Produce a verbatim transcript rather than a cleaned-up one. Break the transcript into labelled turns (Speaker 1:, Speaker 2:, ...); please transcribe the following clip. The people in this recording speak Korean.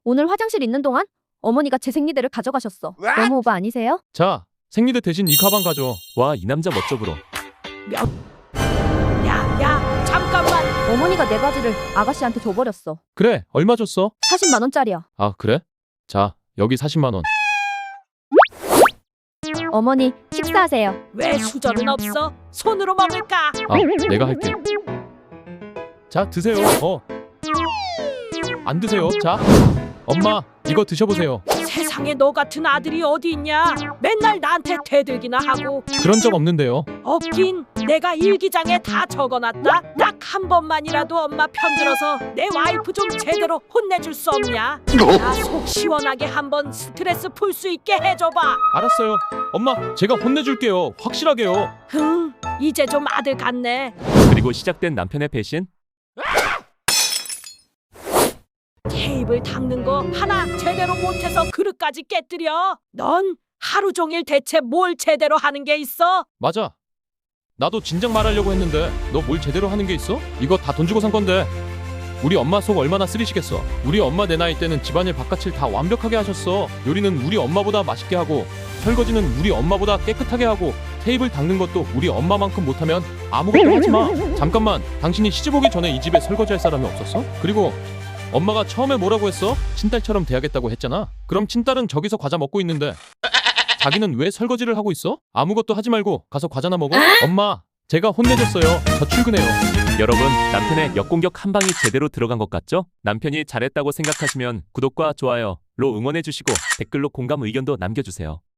Speaker 1: 오늘 화장실 있는 동안 어머니가 제 생리대를 가져가셨어. 너무 오바 아니세요?
Speaker 2: 자, 생리대 대신 이 가방 가져. 와, 이 남자 멋져 불어.
Speaker 3: 야, 야, 잠깐만.
Speaker 1: 어머니가 내 바지를 아가씨한테 줘버렸어.
Speaker 2: 그래, 얼마 줬어?
Speaker 1: 사십만 원짜리야.
Speaker 2: 아, 그래? 자, 여기 사십만 원.
Speaker 1: 어머니, 식사하세요.
Speaker 3: 왜 수저는 없어? 손으로 먹을까?
Speaker 2: 아, 내가 할게. 자, 드세요. 어. 안 드세요. 자, 엄마, 이거 드셔보세요.
Speaker 3: 세상에 너 같은 아들이 어디 있냐? 맨날 나한테 대들기나 하고.
Speaker 2: 그런 적 없는데요.
Speaker 3: 없긴 내가 일기장에 다 적어놨다. 딱 한 번만이라도 엄마 편들어서 내 와이프 좀 제대로 혼내줄 수 없냐? 나 속 시원하게 한번 스트레스 풀 수 있게 해줘봐.
Speaker 2: 알았어요. 엄마, 제가 혼내줄게요. 확실하게요.
Speaker 3: 흥, 이제 좀 아들 같네.
Speaker 4: 그리고 시작된 남편의 배신?
Speaker 3: 테이블 닦는 거 하나 제대로 못해서 그릇까지 깨뜨려. 넌 하루 종일 대체 뭘 제대로 하는 게 있어?
Speaker 2: 맞아. 나도 진작 말하려고 했는데 너 뭘 제대로 하는 게 있어? 이거 다 돈 주고 산 건데. 우리 엄마 속 얼마나 쓰리시겠어. 우리 엄마 내 나이 때는 집안일 바깥일 다 완벽하게 하셨어. 요리는 우리 엄마보다 맛있게 하고, 설거지는 우리 엄마보다 깨끗하게 하고, 테이블 닦는 것도 우리 엄마만큼 못하면 아무것도 하지 마. 잠깐만, 당신이 시집 오기 전에 이 집에 설거지할 사람이 없었어? 그리고 엄마가 처음에 뭐라고 했어? 친딸처럼 대하겠다고 했잖아. 그럼 친딸은 저기서 과자 먹고 있는데 자기는 왜 설거지를 하고 있어? 아무것도 하지 말고 가서 과자나 먹어. 엄마, 제가 혼내줬어요. 저 출근해요.
Speaker 4: 여러분, 남편의 역공격 한 방이 제대로 들어간 것 같죠? 남편이 잘했다고 생각하시면 구독과 좋아요로 응원해주시고 댓글로 공감 의견도 남겨주세요.